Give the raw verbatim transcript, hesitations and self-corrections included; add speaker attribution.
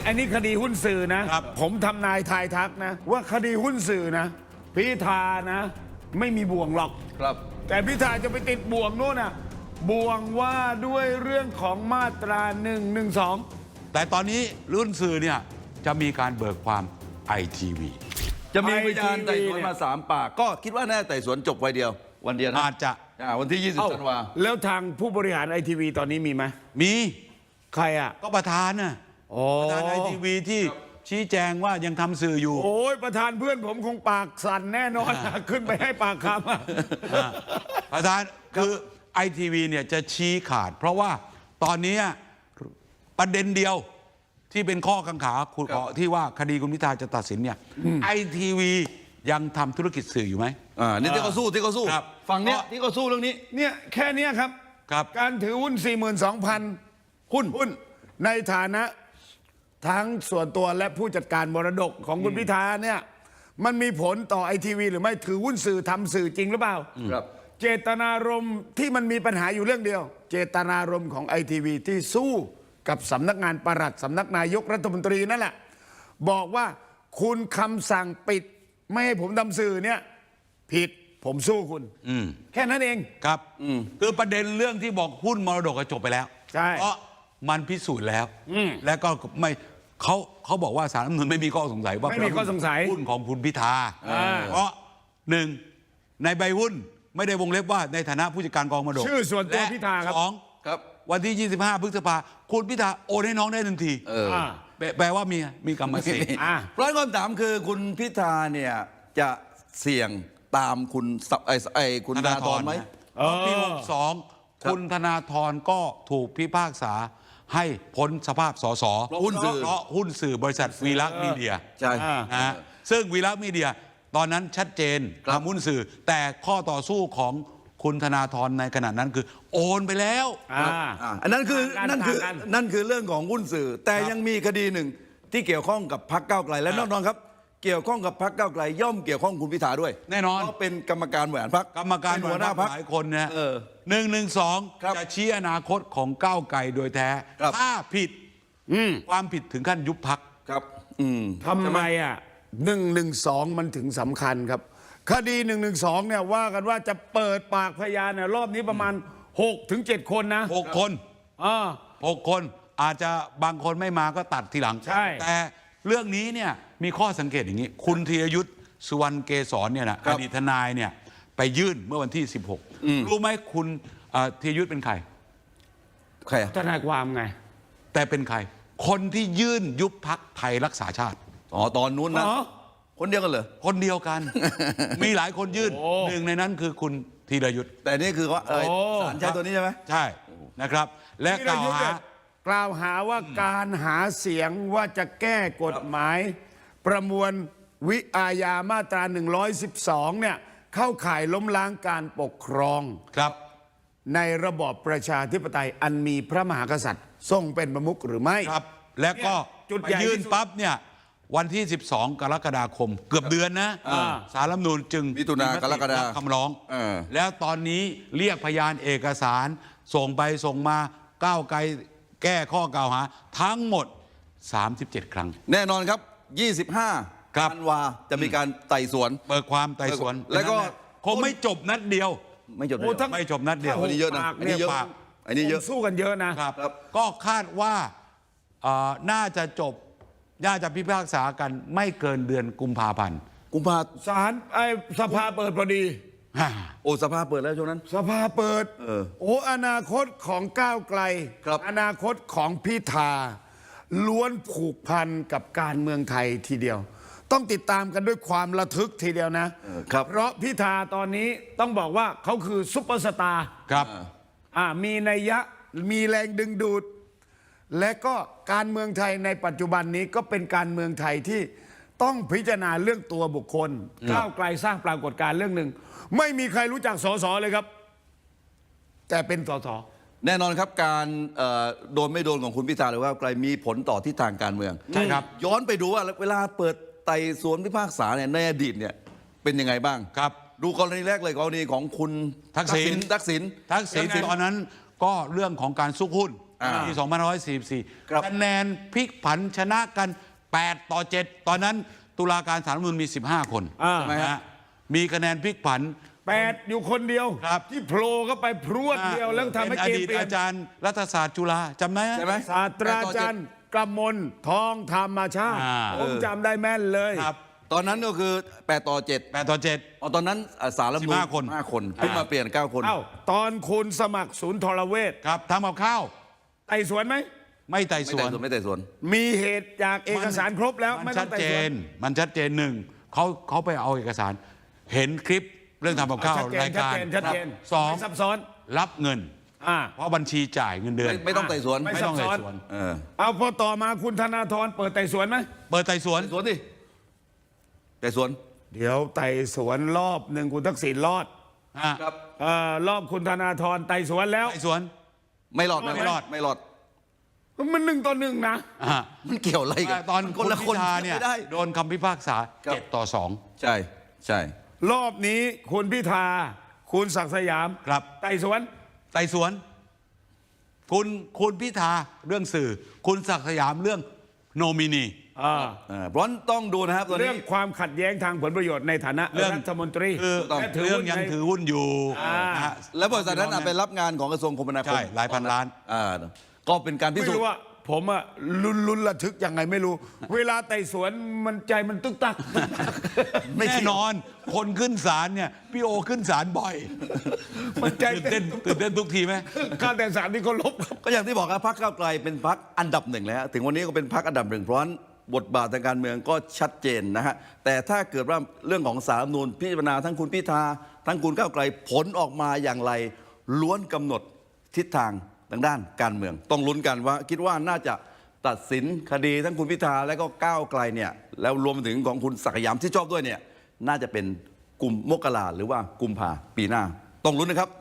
Speaker 1: อันนี้คดีหุ้นสื่อนะ ผมทำนายทายทักนะ ว่าคดีหุ้นสื่อนะพิธานะ ไม่มีบ่วงหรอก
Speaker 2: ครับ
Speaker 1: แต่พิธาจะไปติดบ่วงนู่นน่ะบ่วงว่าด้วยเรื่องของมาตราหนึ่งหนึ่งสอง
Speaker 3: แต่ตอนนี้รุ่นสื่อเนี่ยจะมีการเบิกความไอทีวี
Speaker 2: จะมีพยาน
Speaker 1: ไอทีวี
Speaker 2: ไต่สวนมาสามปาก ก็คิดว่าน่าไต่สวนจบวันเดียว วันเดียวนะ
Speaker 3: อาจจะ
Speaker 2: อ่าวันที่ ยี่สิบ
Speaker 1: เอ้า
Speaker 2: ธันวา
Speaker 1: แล้วทางผู้บริหารไอทีวีตอนนี้มีไหม
Speaker 3: มี
Speaker 1: ใครอ่ะ
Speaker 3: ก็ประธานน่ะ
Speaker 1: โอ้
Speaker 3: ประธานไอทีวีที่ชี้แจงว่ายังทำสื่ออยู่
Speaker 1: โอ้ยประธานเพื่อนผมคงปากสั่นแน่นอนอะขึ้นไปให้ปากคำอะ
Speaker 3: อ่าประธานคือไอทีวีเนี่ยจะชี้ขาด เพราะว่าตอนนี้ประเด็นเดียวที่เป็นข้อกังขาคุณขอที่ว่าคดีคุณพิธาจะตัดสินเนี่ยไอทีวียังทำธุรกิจสื่ออยู่ไหม
Speaker 2: อ่านี่ที่เขาสู้ที่เขาสู้
Speaker 3: ครับ
Speaker 2: ฝั่งเนี้ย
Speaker 3: เพราะ
Speaker 2: ที่เขาสู้เรื่องนี้
Speaker 1: เนี่ยแค่เนี้ยครับ
Speaker 3: ครับ
Speaker 1: การถือหุ้น สี่หมื่นสองพัน
Speaker 2: หุ้น
Speaker 1: หุ้นในฐานะทั้งส่วนตัวและผู้จัดการมรดกของคุณพิธาเนี่ยมันมีผลต่อไอทีวีหรือไม่ถือหุ้นสื่อทำสื่อจริงหรือเปล่า
Speaker 2: ครับ
Speaker 1: เจตนารมณ์ที่มันมีปัญหาอยู่เรื่องเดียว เจตนารมณ์ของไอทีวีที่สู้กับสำนักงานปลัดสำนักนายกรัฐมนตรีนั่นแหละบอกว่าคุณคำสั่งปิดไม่ให้ผมทำสื่อเนี่ยผิดผมสู้คุณ
Speaker 3: อืม
Speaker 1: แค่นั้นเอง
Speaker 3: ครับคือประเด็นเรื่องที่บอกหุ้นมรดกก็จบไปแล้ว
Speaker 1: ใช่
Speaker 3: เพราะมันพิสูจน์แล้ว และก็ไม่เขาเขาบอกว่าศาลรัฐธรรมนูญไม่มีข้อสงสัยว่า
Speaker 1: ไม่มีข้อสงสัย
Speaker 3: หุ้นของคุณพิธา
Speaker 1: อ่า
Speaker 3: เพราะหนึ่งในใบหุ้นไม่ได้วงเล็บว่าในฐานะผู้จัดการกองมรดก
Speaker 1: ชื่อส่วนตัว
Speaker 3: และ
Speaker 1: พิธาครับ
Speaker 3: สอง
Speaker 2: ครับ
Speaker 3: วันที่ ยี่สิบห้า พฤษภาคุณพิธาโอนให้น้องได้ทันที
Speaker 2: เออ
Speaker 1: อ่า
Speaker 3: แปลแปลว่ามีมีกรรมสิทธิ์
Speaker 1: อ่ะ
Speaker 2: เพราะฉะนั้นคำถามคือคุณพิธาเนี่ยจะเสี่ยงตามคุณสับไอ้ไอ้คุณธนาธรไหม
Speaker 3: นะเพราะปีหกสองคุณธนาธรก็ถูกพิพากษาให้พ้นสภาพสส
Speaker 2: เพราะหุ้นสื่อ
Speaker 3: เพราะหุ้นสื่อบริษัทวีลักษณ์มีเดีย
Speaker 2: ใช่
Speaker 1: อ่า
Speaker 3: นะฮะซึ่งวีลักษณ์มีเดียตอนนั้นชัดเจน
Speaker 2: ครับ
Speaker 3: ทำหุ้นสื่อ แต่ข้อต่อสู้ของคุณธนาธรในขณะนั้นคือ โอนไปแล้ว
Speaker 1: อ่า
Speaker 2: อ่าอันนั้นคือ
Speaker 1: ต่างกัน
Speaker 2: นั่นคือ
Speaker 1: ต่างกัน
Speaker 2: นั่นคือเรื่องของหุ้นสื่อ แต่ยังมีคดีหนึ่งที่เกี่ยวข้องกับพรรคก้าวไกลและแน่นอนครับ เกี่ยวข้องกับพรรคก้าวไกลย่อมเกี่ยวข้องคุณพิธาด้วย
Speaker 3: แน่นอน
Speaker 2: เพราะเป็นกรรมการบริหารพรรค
Speaker 3: กรรมการ
Speaker 2: เป็นหัวหน้าพรรค
Speaker 3: หลายคนเนี่ย
Speaker 2: เออ
Speaker 3: หนึ่งหนึ่งสอง
Speaker 2: ครับ
Speaker 3: จะชี้อนาคตของก้าวไกลโดยแท้
Speaker 2: ครับ
Speaker 3: ถ้าผิดความผิดถึงขั้นยุบพัก
Speaker 2: ครับ อืม
Speaker 1: ทำไมอ่ะหนึ่งหนึ่งสองมันถึงสำคัญครับ คดีหนึ่งหนึ่งสองเนี่ยว่ากันว่าจะเปิดปากพยานเนี่ยรอบนี้ประมาณหกถึงเจ็ดคนนะ
Speaker 3: หกคน
Speaker 1: อ่า
Speaker 3: หกคนอาจจะบางคนไม่มาก็ตัดทีหลัง
Speaker 1: ใช่
Speaker 3: แต่เรื่องนี้เนี่ยมีข้อสังเกตอย่างนี้ คุณธีรยุทธ์สุวรรณเกษรเนี่ยนะ
Speaker 2: ครั
Speaker 3: อบ ดีตทนายเนี่ยไปยื่นเมื่อวันที่ สิบหก รู้ไหมคุณเอ่อธีรยุทธ์เป็นใคร
Speaker 2: ใครอะ
Speaker 1: ทนายความไง
Speaker 3: แต่เป็นใคร คนที่ยื่นยุบพักไทยรักษาชาติ
Speaker 2: อ๋อตอนนู้นนะ
Speaker 1: อ๋อ
Speaker 2: คนเดียวกันเหรอ
Speaker 3: คนเดียวกัน มีหลายคนยื่น
Speaker 1: โอ้
Speaker 3: หนึ่งในนั้นคือคุณธีรยุทธ์
Speaker 2: แต่นี่คือว่าเออ
Speaker 1: โอ้
Speaker 2: สารใช้ตัวนี้ใช่ไหม
Speaker 3: ใช่นะครับ และกล่าวหา
Speaker 1: กล่าวหาว่าการหาเสียงว่าจะแก้กฎหมาย ประมวลวิอาญามาตราหนึ่งร้อยสิบสองเนี่ยเข้าข่ายล้มล้างการปกครอง
Speaker 3: ครับ
Speaker 1: ในระบอบประชาธิปไตยอันมีพระมหากษัตริย์ทรงเป็นประมุขหรือไม่
Speaker 3: ครับ และก็
Speaker 1: เนี่ยจุด
Speaker 3: ไป
Speaker 1: ใหญ่
Speaker 3: ยื่น
Speaker 1: ที่สุด
Speaker 3: ปั๊บเนี่ยวันที่ สิบสอง กรกฎาคม เกือบเดือนนะ
Speaker 1: อ่า
Speaker 3: สารรัฐธรรมนูญจึง
Speaker 2: มิถุนากรกฎา
Speaker 3: รับคำร้อง
Speaker 2: เออ
Speaker 3: แล้วตอนนี้เรียกพยานเอกสาร ส่งไปส่งมาก้าวไกลแก้ข้อกล่าวหา ทั้งหมด สามสิบเจ็ด ครั้ง
Speaker 2: แน่นอนครับ ยี่สิบห้า
Speaker 3: ครับ
Speaker 2: ธันวาจะมีการไต่สวน
Speaker 3: เปิดความไต่สวน
Speaker 2: แล้วก็
Speaker 3: คงไม่จบนัดเดียว
Speaker 2: ไม่จบเล
Speaker 1: โอ้
Speaker 2: ย
Speaker 1: ทั้ง
Speaker 3: ไม่จบนัดเดียว
Speaker 2: อันนี้เยอะนะ
Speaker 1: ปาก
Speaker 2: อันนี้เยอะ
Speaker 1: ปาก
Speaker 2: อันนี้เยอะ
Speaker 1: สู้กันเยอะนะ
Speaker 3: ครับ
Speaker 2: ครับ
Speaker 3: ก็คาดว่าเอ่อน่าจะจบ น่าจะพิพากษากันไม่เกินเดือนกุมภาพันธ์
Speaker 2: กุมภา
Speaker 1: ศาลไอ้สภาเปิดพอดี
Speaker 3: ฮ่า
Speaker 2: โอ้สภาเปิดแล้วช่วงนั้น
Speaker 1: สภาเปิด
Speaker 2: เออ
Speaker 1: โอ้อนาคตของก้าวไกล
Speaker 2: ครับ
Speaker 1: อนาคตของพิธา ล้วนผูกพันกับการเมืองไทยทีเดียว ต้องติดตามกันด้วยความระทึกทีเดียวนะ
Speaker 2: เออครับ
Speaker 1: เพราะพิธาตอนนี้ต้องบอกว่าเขาคือซุปเปอร์สตาร์
Speaker 3: ครับ
Speaker 1: อ่ามีนัยยะมีแรงดึงดูด และก็การเมืองไทยในปัจจุบันนี้ก็เป็นการเมืองไทยที่ต้องพิจารณาเรื่องตัวบุคคลก้าวไกลสร้างปรากฏการณ์เรื่องหนึ่งไม่มีใครรู้จักสสเลยครับ แต่เป็นสส
Speaker 2: แน่นอนครับการเอ่อโดนไม่โดนของคุณพิธาหรือว่าไกลมีผลต่อทิศทางการเมือง
Speaker 3: ใช่ครับ
Speaker 2: ย้อนไปดูว่าเวลาเปิดไต่สวนพิพากษาเนี่ยในอดีตเนี่ยเป็นยังไงบ้าง
Speaker 3: ครับ
Speaker 2: ดูกรณีแรกเลยกรณีของคุณ
Speaker 3: ทักษิณ
Speaker 2: ทักษิณ
Speaker 3: ทักษิณ
Speaker 1: ยังไง
Speaker 3: ตอนนั้นก็เรื่องของการซุกหุ้น
Speaker 2: อ่า
Speaker 3: ปีสองพันห้าร้อยสี่สิบสี่
Speaker 2: ครับ
Speaker 3: คะแนนพลิกผันชนะกันแปดต่อเจ็ดตอนนั้นตุลาการศาลรัฐธรรมนูญมีสิบห้าคน
Speaker 1: อ่า
Speaker 3: นะฮะมีคะแนนพลิกผัน
Speaker 1: แปดอยู่คนเดียว
Speaker 3: ครับ
Speaker 1: ที่โผล่เข้าไปพรวดเดียวแล้วทำให้
Speaker 3: เป็นอ
Speaker 1: เกม
Speaker 3: ดีต
Speaker 1: เปลี่ยน
Speaker 3: อาจารย์รัฐศาสตร์จุฬาจำได้ไหม
Speaker 2: ใช่ไหม
Speaker 1: ศาสตราจารย์กำมลทองธรรมชาติ
Speaker 3: อ่า
Speaker 1: ผมจำได้แม่นเลย
Speaker 3: ครับ
Speaker 2: ตอนนั้นก็คือแปดต่อเจ็ด
Speaker 3: แปดต่อเจ็ด
Speaker 2: อ๋อตอนนั้นอ่ะสารรัฐธรรมนูญ
Speaker 3: สิบห้าคน
Speaker 2: ห้าคนเพิ่งมาเปลี่ยนเก้าคน
Speaker 1: เอ้าตอนคุณสมัครศูนย์ทรเวช
Speaker 3: ครับทำกับข้าว
Speaker 1: ไต่สวนไหม
Speaker 3: ไม่ไต่
Speaker 2: ไม่
Speaker 3: สว
Speaker 2: แต่
Speaker 3: น
Speaker 2: ส่วนไม่แต่ส่วน
Speaker 1: มีเหตุจากเอกสารครบแล้ว
Speaker 3: มั
Speaker 1: ไม่
Speaker 3: น
Speaker 1: ต้
Speaker 3: ชั
Speaker 1: อง
Speaker 3: ด
Speaker 1: ไต่
Speaker 3: เจ
Speaker 1: สวน
Speaker 3: น มันชัดเจนหนึ่งเขาเขาไปเอาเอกสาร เห็นคลิปเรื่องทำกับข้าว
Speaker 1: ชัดเจน
Speaker 3: รายการ
Speaker 1: ชัดเจนชัดเจน
Speaker 3: สอง
Speaker 1: ไม่ซับซ้อน
Speaker 3: รับเงิน
Speaker 1: อ่า
Speaker 3: เพราะบัญชีจ่ายเงินเดือน
Speaker 2: ไม่ไม่ต้องไต่สวน
Speaker 1: ไม่
Speaker 3: ไม่ต้อง
Speaker 1: ซับซ้
Speaker 3: ไต่
Speaker 1: อน
Speaker 3: สวน
Speaker 2: เออ
Speaker 1: เอาพอต่อมาคุณธนาธรเปิดไต่สวนไหม
Speaker 3: เปิดไต่สวน
Speaker 2: ไต่สวนดิไต่สวน
Speaker 1: เดี๋ยวไต่สวนรอบหนึ่งคุณทักษิณรอด
Speaker 3: อ่ะ
Speaker 2: ครับ
Speaker 1: เอ่อรอบคุณธนาธรไต่สวนแล้ว
Speaker 3: ไต่สวน
Speaker 2: ไม่รอด
Speaker 3: ไม่รอด
Speaker 2: ไม่รอด
Speaker 1: มันหนึ่งต่อหนึ่งนะ
Speaker 3: อ่ะ
Speaker 2: มันเกี่ยวอะไรกัน
Speaker 3: ตอน
Speaker 2: มั
Speaker 3: คุ
Speaker 2: คน
Speaker 3: ณ
Speaker 2: ละ
Speaker 3: พิ
Speaker 2: คน
Speaker 3: ธาเนี่ย
Speaker 2: ไม่ได้
Speaker 3: โดนคำพิพากษา
Speaker 2: ครับ
Speaker 3: เจ็ดต่อสอง
Speaker 2: ใช่ใช่
Speaker 1: รอบนี้คุณพิธาคุณศักดิ์สยาม
Speaker 3: ครับ
Speaker 1: ไต่สวน
Speaker 3: ไต่สวน คุณคุณพิธาเรื่องสื่อ คุณศักดิ์สยามเรื่องโนมินี
Speaker 1: อ่า
Speaker 2: เออเพราะฉะนั้นต้องดูนะครับตอน
Speaker 1: เรื่
Speaker 2: นี้
Speaker 1: องความขัดแย้งทางผลประโยชน์ในฐานะ
Speaker 3: เรื่อง
Speaker 1: รัฐมนตรี
Speaker 3: คือ
Speaker 1: และถือ
Speaker 3: เรื่อ
Speaker 1: หุ้
Speaker 3: ง
Speaker 1: น
Speaker 3: ยัง
Speaker 1: ใน
Speaker 3: ถือหุ้นอยู่
Speaker 1: อ่าน
Speaker 3: นะฮะ
Speaker 2: แล้วบริษัทนั้นอ่ะไปรับงานของกระทรวงคมนาคม
Speaker 3: ใช่หลายพันล้าน
Speaker 2: อ่าก็เป็นการพิ
Speaker 1: ไม่
Speaker 2: สูจ
Speaker 1: รู้
Speaker 2: น์
Speaker 1: ว่าผมอะลุ้นลุ้นระทึกยังไงไม่รู้ เวลาไต่สวนมันใจมันตึกตัก
Speaker 3: แน่นอน คนขึ้นศาลเนี่ย พี่โอขึ้นศาลบ่อย
Speaker 1: มันใจ
Speaker 3: ตื่นเต้นตื่นเต้นทุกทีไหม
Speaker 1: การแต่สารที่เขาลบครับ
Speaker 2: ก็อย่างที่บอกครับพรรคก้าวไกลเป็นพรรคอันดับหนึ่งแล้วถึงวันนี้ก็เป็นพรรคอันดับหนึ่งเพราะฉะนั้นบทบาททางการเมืองก็ชัดเจนนะฮะแต่ถ้าเกิดว่าเรื่องของสารรัฐธรรมนูญพิจารณาทั้งคุณพิธาทั้งคุณก้าวไกลผลออกมาอย่างไรล้วนกำหนดทิศทางทางด้านการเมือง ต้องลุ้นกันว่าคิดว่าน่าจะตัดสินคดีทั้งคุณพิธาและก็ก้าวไกลเนี่ยแล้วรวมถึงของคุณศักดิ์สยามที่ชอบด้วยเนี่ยน่าจะเป็นกุมมกราหรือว่ากุมภาปีหน้าต้องลุ้นนะครับ